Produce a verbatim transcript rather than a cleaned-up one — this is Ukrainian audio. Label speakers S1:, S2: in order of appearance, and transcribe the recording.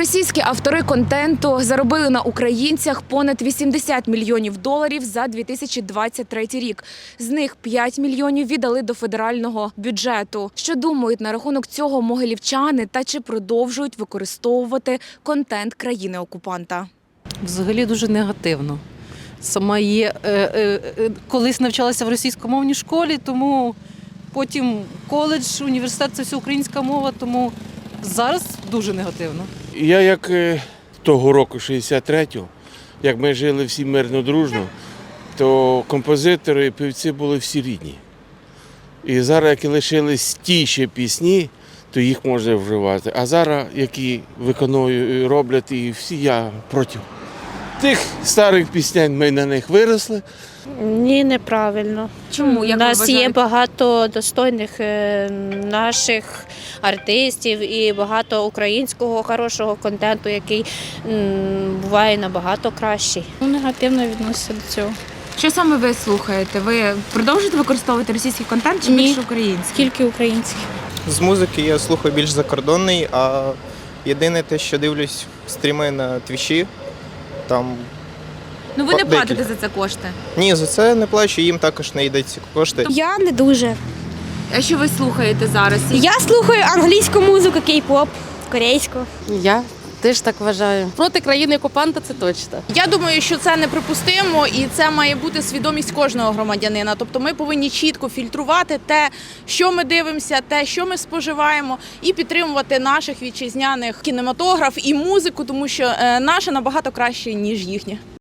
S1: Російські автори контенту заробили на українцях понад вісімдесят мільйонів доларів за дві тисячі двадцять третій рік. З них п'ять мільйонів віддали до федерального бюджету. Що думають на рахунок цього могилівчани та чи продовжують використовувати контент країни-окупанта?
S2: Взагалі дуже негативно. Сама є, е, е, е, колись навчалася в російськомовній школі, тому потім коледж, університет – це все українська мова, тому зараз дуже негативно.
S3: Я як е, того року, шістдесят третього, як ми жили всі мирно, дружно, то композитори і певці були всі рідні. І зараз, як лишились ті ще пісні, то їх можна вживати. А зараз, які виконують, роблять, і всі я проти. Тих старих пісень ми на них виросли.
S4: Ні, неправильно.
S1: Чому? Як
S4: У
S1: ви
S4: нас є
S1: вважаєте?
S4: багато достойних е, наших артистів і багато українського хорошого контенту, який м, буває набагато кращий.
S5: Негативно відноситься до цього.
S1: Що саме ви слухаєте? Ви продовжуєте використовувати російський контент чи
S5: Ні.
S1: більше український?
S5: Тільки український.
S6: З музики я слухаю більш закордонний, а єдине те, що дивлюсь стріми на твічі, там
S1: Ну ви не
S6: Декілька.
S1: платите за це кошти.
S6: ні, за це не плачу, їм також не йдуть ці кошти.
S7: Я не дуже.
S1: А що ви слухаєте зараз?
S7: Я слухаю англійську музику, кей-поп, корейську.
S2: Я теж так вважаю. Проти країни-окупанта це точно.
S8: Я думаю, що це неприпустимо, і це має бути свідомість кожного громадянина. Тобто ми повинні чітко фільтрувати те, що ми дивимося, те, що ми споживаємо, і підтримувати наших вітчизняних кінематограф і музику, тому що е, наше набагато краще, ніж їхнє.